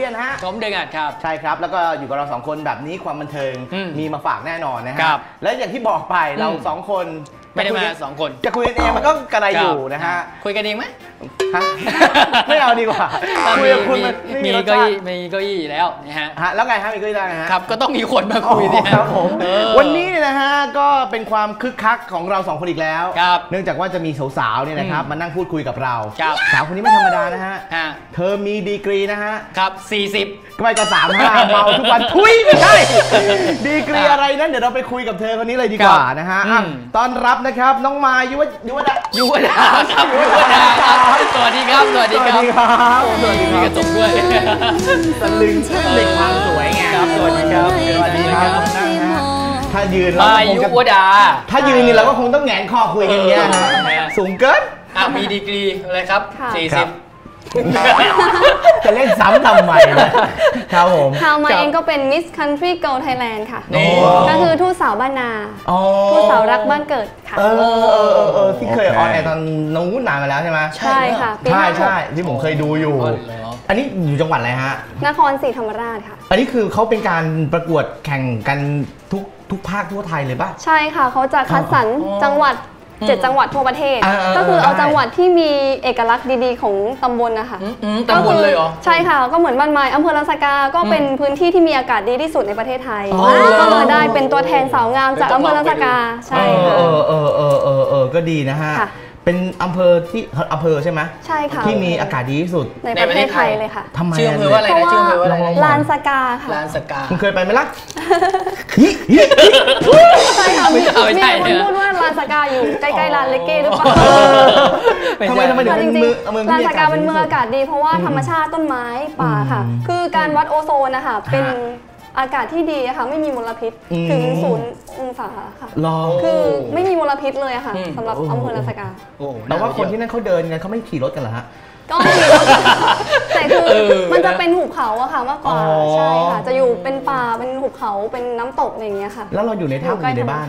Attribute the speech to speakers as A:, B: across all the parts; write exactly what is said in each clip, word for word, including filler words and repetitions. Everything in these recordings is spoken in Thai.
A: ยนฮะ
B: ผมเดือนครับ
A: ใช่ครับแล้วก็อยู่กับเราสองคนแบบนี้ความบันเทิงมีมาฝากแน่นอนนะฮะแล้วอย่างที่บอกไปเราสองคน
B: ไม่ได้มาสองคน
A: จะคุยกันเองมันก็กระไรอยู่นะฮะ
B: คุยกันเองไหม
A: ไม่เอาดีกว่าคุยกับคุณมัน
B: มีเก้าอี้มีเก้าอี้แล้วนะฮะ
A: แล้วไงฮะมีเก้าอี้ได้ฮะ
B: ครับก็ต้องมีคนมาคุยดิ
A: ครับผมวันนี้นะฮะก็เป็นความคึกคักของเราสองคนอีกแล้วเนื่องจากว่าจะมีสาวๆเนี่ยนะครับมานั่งพูดคุยกับเราสาวคนนี้ไม่ธรรมดานะฮะเธอมีดีกรีนะฮะ
B: ครับสี่สิบ
A: ก็ไปก็สามห้าเมาทุกวันทุยไม่ใช่ดีกรีอะไรนั้นเดี๋ยวเราไปคุยกับเธอคนนี้เลยดีกว่านะฮะต้อนรับนะครับน้องมายยุวยุวดา
B: ยุวดาครับยุวดาครับสวัสดีครับสวัสดีครับสวัสดีมีกระจกด้วย
A: ตะลึงเด็กความสวยไง
B: ครับสวัสดีครับสวัสดีครับ
A: ถ้ายืนเรา
B: มายุวดา
A: ถ้ายืนนี่เราก็คงต้องแหงนคอคุยกันเงี้ยนะสูงเกิน
B: อ่ะมีดีกรีอะไรครับสี่สิบ
A: จะเล่นซ้ำทำไมนะครับผม
C: ข่าวมาเองก็เป็น Miss Country Girl Thailand ค่ะก็คือทูตสาวบ้านนาทูตสาวรักบ้านเกิดค่ะ
A: เออเออเออที่เคยออนแอร์ตอนนู้นนานมาแล้วใช่ไหม
C: ใช่ค่ะ
A: ใช่ใช่ที่ผมเคยดูอยู่อันนี้อยู่จังหวัดอะไรฮะ
C: นครศรีธรรมราชค่ะ
A: อันนี้คือเขาเป็นการประกวดแข่งกันทุกทุกภาคทั่วไทยเลยป่ะ
C: ใช่ค่ะเขาจะคัดสรรจังหวัดเจ็ดจังหวัดทั่วประเทศก็คือเอาจังหวัดที่มีเอกลักษณ์ดีๆของตำบลนะคะ
B: ตำบลเลยเหรอ
C: ใช่ค่ะก็เหมือนบ้านไม้อำเภอลานสกาก็เป็นพื้นที่ที่มีอากาศดีที่สุดในประเทศไทยก็เลยได้เป็นตัวแทนสาวงามจากอำเภอลานสกาใช่ค่ะ
A: เออเออเออเออเออก็ดีนะฮะเป็นอำเภอที่อำเภอใช่ไหม
C: ใช่ค่ะ
A: ที่มีอากาศดีที่สุด
C: ในประเทศไทยเลยค่ะ
A: ทำไม
B: ชื่ออำเภอว่าอะไรนะชื่ออำเภอว่าอะไร
C: ลานสกาค่ะ
B: ลานสกา
A: คุณเคยไปไหมล่ะ
C: ใช่ค่ะมีคนพูดว่าลานสกาอยู่ใกล้ๆลานเลเก้หรือเปล่า
A: ทำไมทำไมถึงเป็นเมือง
C: ลานสกาเป็นเมืองอากาศดีเพราะว่าธรรมชาติต้นไม้ป่าค่ะคือการวัดโอโซนนะคะเป็นอากาศที่ดีค่ะไม่มีมลพิษถึงศูนย์องศาค่ะคือไม่มีมลพิษเลยค่ะสำหรับอำเภอลานสกา
A: แต่ว่าคนที่นั่นเขาเดินกันเขาไม่ขี่รถกันเหรอฮะ
C: ก็ขี่รถแต่คือมันจะเป็นหุบเขาอะค่ะมากกว่าใช่ค่ะจะอยู่เป็นป่าเป็นหุบเขาเป็นน้ำตกอะไรอย่างเงี้ยค่ะ
A: แล้วเราอยู่ในถ้ำอยู่ในบ้าน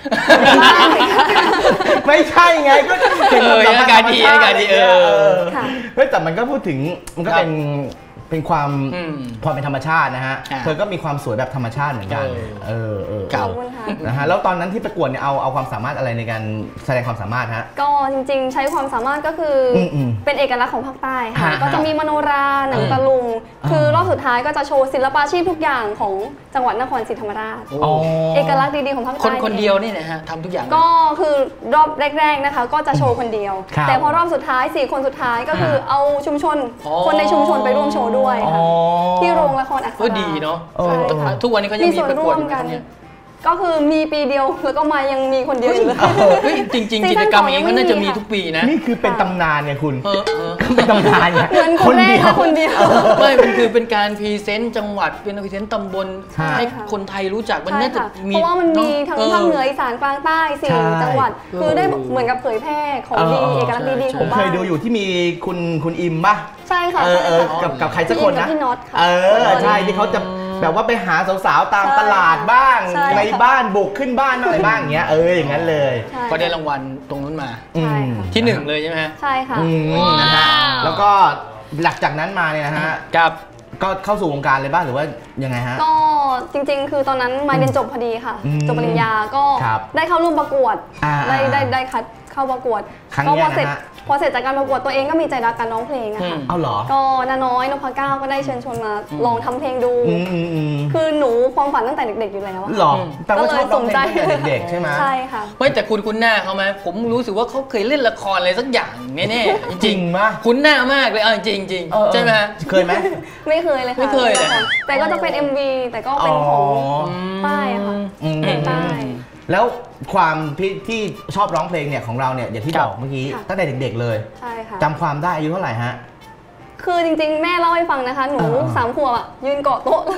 A: ไม่ใช่ไงก็
B: เป็นอากาศดีอากาศดีเออ
A: เฮ้ยแต่มันก็พูดถึงมันก็เป็นเป็นความพอเป็นธรรมชาตินะฮะเธอก็มีความสวยแบบธรรมชาติเหมือนกันเออเออ
C: เก่า
A: นะฮะแล้วตอนนั้นที่ประกวดเนี่ยเอาเอาความสามารถอะไรในการแสดงความสามารถฮะ
C: ก็จริงๆใช้ความสามารถก็คือเป็นเอกลักษณ์ของภาคใต้ค่ะก็จะมีมโนราหนังตะลุงคือรอบสุดท้ายก็จะโชว์ศิลปาชีพทุกอย่างของจังหวัดนครศรีธรรมราชเอกลักษณ์ดีๆของภาคใต้
B: คนคนเดียวนี่นะฮะทำทุกอย่าง
C: ก็คือรอบแรกๆนะคะก็จะโชว์คนเดียวแต่พอรอบสุดท้ายสี่คนสุดท้ายก็คือเอาชุมชนคนในชุมชนไปร่วมโชว์ด้วยที่โรงละครอักษร
B: ก็ดีเนาะทุกวันนี้ก็ยังมีประกวดกัน
C: ก็คือมีปีเดียวแล้วก็มายังมีคนเดียวอยู่เลย
B: จริงๆกิจกรรมอย่างนี้ก็น่าจะมีทุกปีนะ
A: นี่คือเป็นตำนานไงคุณเป็นตำนาน
C: เนี่ยคนเดียวคนเดียว
B: ไม่มันคือเป็นการพรีเซนต์จังหวัดเป็นพรีเซนต์ตำบลให้คนไทยรู้จักมันน่าจะมี
C: เพราะว่ามันมีทั้งภาคเหนืออีสานกลางใต้สี่จังหวัดคือได้เหมือนกับเผยแพร่ของดีเอกลักษณ์ดีๆของบ้าน
A: เคยดูอยู่ที่มีคุณคุณอิมป่ะ
C: ใช่ค่ะ
A: กับกับใครสักคนนะ
C: พี่น็อต
A: เออใช่ที่เขาจะแบบว่าไปหาสาวๆตามตลาดบ้างในบ้านบุกขึ้นบ้านอะไรบ้างอย่างเงี้ยเอออย่างนั้นเลย
B: ก็ได้รางวัลตรงนั้นมาที่หนึ่งเลยใช่ไหม
C: ใช่ค่ะ
A: นะฮะแล้วก็หลังจากนั้นมาเนี่ยนะฮะ
B: กับ
A: ก็เข้าสู่วงการเลยบ้างหรือว่ายังไงฮะ
C: ก็จริงๆคือตอนนั้นมาเรียนจบพอดีค่ะจบปริญญาก็ได้เข้าร่วมประกวดได้ได้ได้คัดเข้าประกวด
A: ก็พอ
C: เสร็จพอเสร็จจากการประกวดตัวเองก็มีใจรักการร้องเพลงอะค่ะ
A: เอาเหรอ
C: ก็น้าน้อยนพเก้าก็ได้เชิญชวนมาลองทำเพลงดูคือหนูความฝันตั้งแต่เด็กๆอยู่แล้ว
A: หรอแต่ว่าชอบร้องเพลงตั้งแต่เด็กๆใช่ไหม
C: ใช่ค่ะ
B: ไม่แต่คุณคุ้นหน้าเขาไหมผมรู้สึกว่าเขาเคยเล่นละครอะไรสักอย่างแน่ๆ
A: จริงมาก
B: คุ้นหน้ามากเลยเอาจริงจริงใช่ไหม
A: เคยไหม
C: ไม่เคยเลยค่ะ
B: ไม่เคยเลย
C: แต่ก็จะเป็น เอ็ม วี แต่ก็เป็นของใต้ค่ะใต้
A: แล้วความที่ชอบร้องเพลงเนี่ยของเราเนี่ยอย่างที่บอกเมื่อกี้ตั้งแต่เด็กๆเลย
C: ใช่ค่ะ
A: จำความได้อายุเท่าไหร่ฮะ
C: คือจริงๆแม่เล่าให้ฟังนะคะหนูสามขวบอ่ะยืนเกาะโต๊ะ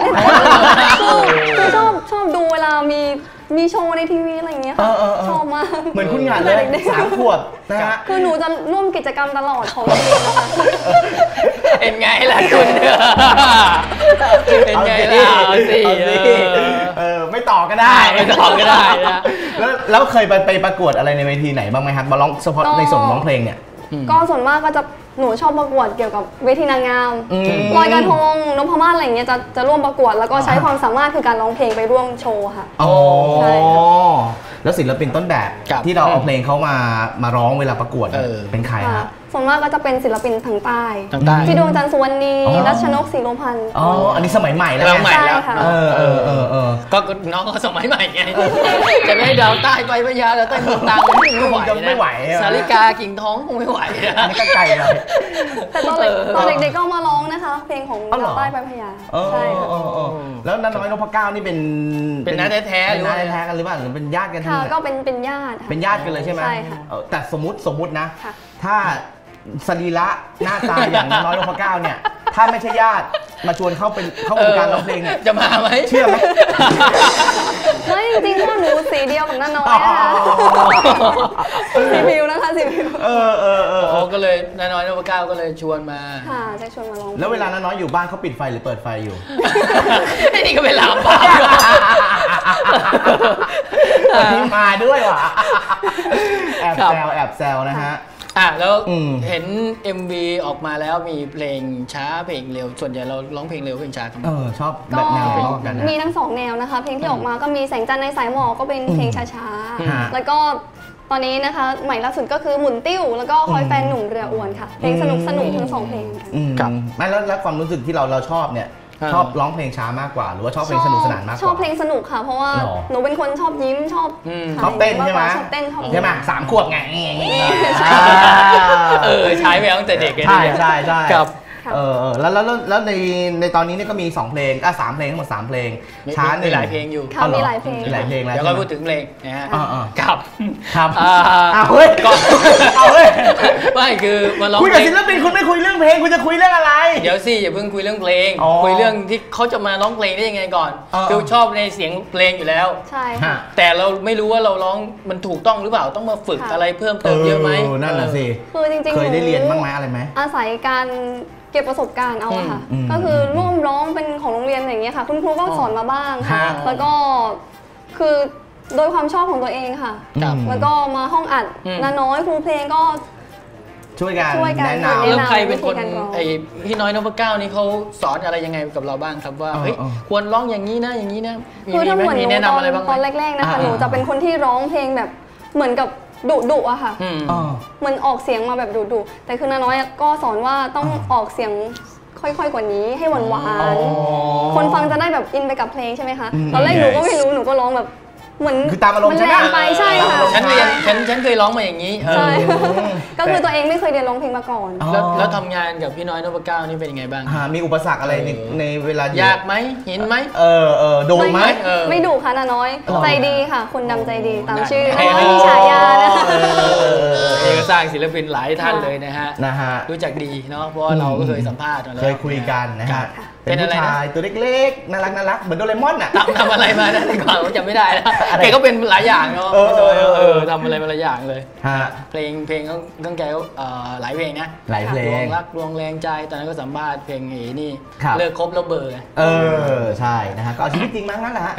C: คือชอบชอบดูเวลามีมีโชว์ในทีวีอะไรอย่างเงี้ยค่ะชอบมาก
A: เหมือนคุณงานเลยสามขวบนะฮะ
C: คือหนูจะร่วมกิจกรรมตลอดของโรงเรียนนะคะ
B: เป็นไงล่ะคุณเป็นไงล่ะสิ
A: เออไม่ต่อก็ได้
B: ไม่ต่อก็ได้นะ
A: แล้วแล้วเคยไปไปประกวดอะไรในเวทีไหนบ้างไหมครับมาร้องเฉพาะในส่วนร้องเพลงเนี่ย
C: ก็ส่วนมากก็จะหนูชอบประกวดเกี่ยวกับเวทีนางงามลอยกระทงนพมาศอะไรอย่างเงี้ยจะจะร่วมประกวดแล้วก็ใช้ความสามารถคือการร้องเพลงไปร่วมโชว์ค่ะ
A: อ๋อแล้วศิลปินต้นแบบที่เราเอาเพลงเขามามาร้องเวลาประกวดเป็นใครฮะ
C: ส่วนมากก็จะเป็นศิลปินทางใต้พี่ดวงจันทร์สุวรรณีรัชนกศรีโลพันธ์
A: อ๋ออันนี้สมัยใหม่แล้ว
B: ใหม่แล้ว
C: เออเอ
B: อเออเออก็น้องก็สมัยใหม่ไงจะไม่ให้ดาวใต้ไปพญาดาวใต้เมืองตรังไม่ไหว
A: ไม่ไหว
B: สาริกากิ่งทองคงไม่ไหว
A: อันนี้ก็ไกลเลย
C: แต่ตอนเด็กตอนเด็กๆก็มาร้องนะคะเพลงของดาวใต้ไปพญาใช่ค่ะ
A: แล้วน้าน้อยนพเก้านี่เป็น
B: เป็นน้าแท้ๆ
A: เป็นน้าแท้ๆกันหรือเปล่าหรือเป็นญาติกัน
C: ค่ะก็เป็นเป็นญาติ
A: เป็นญาติกันเลยใช่ไหม
C: ใช่ค่ะ
A: แต่สมมติสมมตินะถ้าสรีระหน้าตาอย่างน้อยนพเก้าเนี่ยถ้าไม่ใช่ญาติมาชวนเข้าเป็นเข้าวงการร้องเพลงเนี่ย
B: จะมาไหม
A: เชื่อไหม
C: ไม่จริงๆพวกหนูสีเดียวกับน้าน้อยนะคะสีผิวนะคะสีผิว
A: เออเออเออ
B: ก็เลยน้าน้อยนพเก้าก็เลยชวนมา
C: ค่ะจะชวนมาร้อง
A: แล้วเวลาน้าน้อยอยู่บ้านเขาปิดไฟหรือเปิดไฟอยู่
B: นี่ก็เป็นลามปาม
A: นี่มาด้วยว่ะแอบแซวแอบแซวนะฮะ
B: อ่ะแล้วเห็น เอ็ม วี ออกมาแล้วมีเพลงช้าเพลงเร็วส่วนใหญ่เราร้องเพลงเร็วเพลงช้ากัน
A: เออชอบแบบแนวเพลงกัน
C: มีทั้งสองแนวนะคะเพลงที่ออกมาก็มีแสงจันทร์ในสายหมอกก็เป็นเพลงช้าๆแล้วก็ตอนนี้นะคะใหม่ล่าสุดก็คือหมุนติ้วแล้วก็คอยแฟนหนุ่มเรืออ้วนค่ะเพลงสนุกสนุกทั้งสองเพลง
A: กันไม่แล้วแล้วความรู้สึกที่เราเราชอบเนี่ยชอบร้องเพลงช้ามากกว่าหรือว่าชอบเพลงสนุกสนานมากกว่า
C: ชอบเพลงสนุกค่ะเพราะว่าหนูเป็นคนชอบยิ้มชอบ
A: ชอบเต้นใช่ไหม
C: ชอบเต้นชอบ
A: ใช่ไหมสามขวบไง
B: เออใช้ไปตั้งแต่เด็กเลย
A: ใช่ใช่ใช่ครับเออแล้วแล้วแล้วในในตอนนี้เนี่ยก็มีสองเพลงอ่ะสามเพลงทั้งหมดสามเพลงช้า
B: มีหลายเพลงอยู่
C: มีหลายเพลง
A: มีหลายเพลงแล้ว
B: เดี๋ยวก็พูดถึงเพลงนะฮะครับ
A: ครับอ้าวเฮ้ยเอาเฮ้ย
B: ไม่คือมาร้อง
A: คุยกับศิลปินคุณไม่คุยเรื่องเพลงคุณจะคุยเรื่องอะไร
B: เดี๋ยวสิอย่าเพิ่งคุยเรื่องเพลงคุยเรื่องที่เขาจะมาร้องเพลงได้ยังไงก่อนคือชอบในเสียงเพลงอยู่แล้ว
C: ใช่ค่ะ
B: แต่เราไม่รู้ว่าเราร้องมันถูกต้องหรือเปล่าต้องมาฝึกอะไรเพิ่มเติมเยอะไหม
A: นั่นแหละสิ
C: คือจริงๆ
A: เคยได้เรียนบ้างไหมอะไรไหม
C: อาศัยการเก็บประสบการณ์เอาค่ะก็คือร่วมร้องเป็นของโรงเรียนอย่างเงี้ยค่ะคุณครูก็สอนมาบ้างค่ะแล้วก็คือโดยความชอบของตัวเองค่ะแล้วก็มาห้องอัดน้าน้อยครูเพลงก็
A: ช่วยกันแนะน
B: ำแล้วใครเป็นคนไอพี่น้อยนพเก้านี่เขาสอนอะไรยังไงกับเราบ้างครับว่าเฮ้ยควรร้องอย่างนี้นะอย่างนี้นะ
C: คือถ้าเหมือนหนูตอนตอนแรกๆนะคะหนูจะเป็นคนที่ร้องเพลงแบบเหมือนกับดุดุอะค่ะเหมือนออกเสียงมาแบบดุดุแต่คือน้าน้อยก็สอนว่าต้องออกเสียงค่อยๆกว่านี้ให้หวานหวานคนฟังจะได้แบบอินไปกับเพลงใช่ไหมคะตอนแรกหนูก็ไม่รู้หนูก็ร้องแบบเหมือน
A: คือตามอารมณ์ใช่ไหม
C: ไปใช่ค่ะ
B: ฉันเรียนฉันฉันเคยร้องมาอย่างนี้
C: ใช่ก็คือตัวเองไม่เคยเรียนร้องเพลงมาก่อน
B: แล้วแล้วทำงานกับพี่น้อยนพเก้านี่เป็นยังไงบ้าง
A: มีอุปสรรคอะไรในในเวลาย
B: ากไหมเห็นไหม
A: เออเออดุไหม
C: ไม่ดุค่ะน้าน้อยใจดีค่ะคนดำใจดีตามชื่อไม่มีฉายานะคะ
B: เอกสร้างศิลปินหลายท่านเลยนะฮะนะฮะรู้จักดีเนาะเพราะว่าเราก็เคยสัมภาษณ์มาแล้ว
A: เคยคุยกันนะฮะเป็นผู้ชายตัวเล็กๆน่ารักน่ารักเหมือนโดเรมอนอ่ะ
B: ทำทำอะไรมานะก่อนผมจำไม่ได้แล้วแกก็เป็นหลายอย่างเนาะเออทำอะไรมาหลายอย่างเลยเพลงเพลงก็แกหลายเพลงนะ
A: หลายเพลง
B: รักดวงแรงใจตอนนั้นก็สัมภาษณ์เพลงเอนี่เลิกคบแล้วเบอร์
A: เออใช่นะฮะก็เอาชีวิตจริงมั้งนั่นแหละฮะ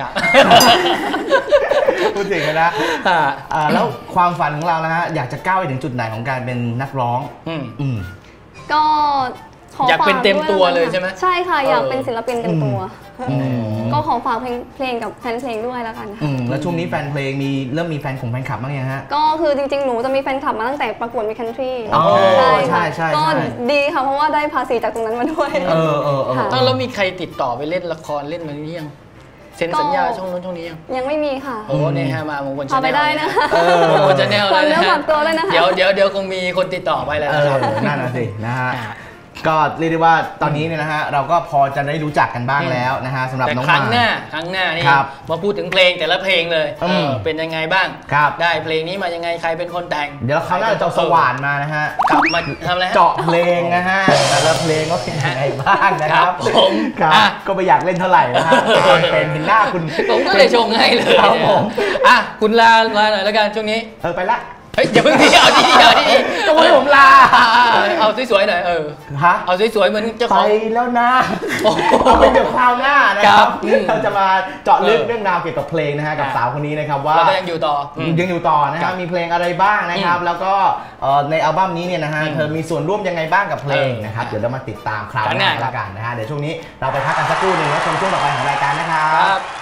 A: พูดถึงกันนะแล้วความฝันของเรานะฮะอยากจะก้าวไปถึงจุดไหนของการเป็นนักร้อง
C: อืมก็
B: อยากเป็นเต็มตัวเลยใช่ไหม
C: ใช่ค่ะอยากเป็นศิลปินเต็มตัวก็ขอฝากเพลงเพลงกับแฟนเพลงด้วยแล้วกันค่ะ
A: แล้วช่วงนี้แฟนเพลงมีเริ่มมีแฟนของแฟนคลับบ้างยังฮะ
C: ก็คือจริงๆหนูจะมีแฟนคลับมาตั้งแต่ประกวดมิสคันทรี
A: ใช่ใช่ใช่
C: ก็ดีค่ะเพราะว่าได้ภาษีจากตรงนั้นมาด้วย
A: เออเออเออ
B: แล้วมีใครติดต่อไปเล่นละครเล่นมาหรือยังเซ็นสัญญาช่องนู้นช่องนี้ยัง
C: ยังไม่มีค่ะ
B: โอ้เนี่ยฮะมามงคลชาแนล
C: ไปได้นะ
B: มงคลชาแนลเลยนะเดี๋ยวเดี๋ยวเดี๋ยวคงมีคนติดต่อไปแล้วนะครับ
A: นั่นน่ะสินะฮะก็เรียกได้ว่าตอนนี้เนี่ยนะฮะเราก็พอจะได้รู้จักกันบ้างแล้วนะฮะสำหรับน้อง
B: มาครั้งหน้าครั้งหน้านี่มาพูดถึงเพลงแต่ละเพลงเลยเป็นยังไงบ้างได้เพลงนี้มายังไงใครเป็นคนแต่ง
A: เดี๋ยวเขาน่าจะสว่านมานะฮะ
B: กลับมาทำอะไร
A: เจาะเพลงนะฮะแต่ละเพลงก็เป็นยังไงบ้างนะครับ
B: ผม
A: ก็ไม่อยากเล่นเท่าไหร่นะฮะเป็นเห็นหน้าคุณ
B: ผมก็เลยชงให้เลยครับผม
A: อ่ะ
B: คุณลาลาหน่อยแล้วกันช่วงนี้
A: เออไปละ
B: เฮ้ยอย่าเพิ่งทีเอาทีเอาที
A: ต้องให้ผมลา
B: เอาสวยๆหน่อยเออฮะเอาสวยๆเหมือนเจ้าของ
A: ไปแล้วนะเอาเป็นเดี๋ยวคราวหน้านะครับเราจะมาเจาะลึกเรื่องราวเกี่ยวกับเพลงนะฮะกับสาวคนนี้นะครับว่า
B: เรายังอยู่ต่อ
A: ยังอยู่ต่อนะครับมีเพลงอะไรบ้างนะครับแล้วก็ในอัลบั้มนี้เนี่ยนะฮะเธอมีส่วนร่วมยังไงบ้างกับเพลงนะครับเดี๋ยวเรามาติดตามคราวหน้าแล้วกันนะฮะเดี๋ยวช่วงนี้เราไปพักกันสักครู่หนึ่งแล้วชมช่วงต่อไปของรายการนะครับ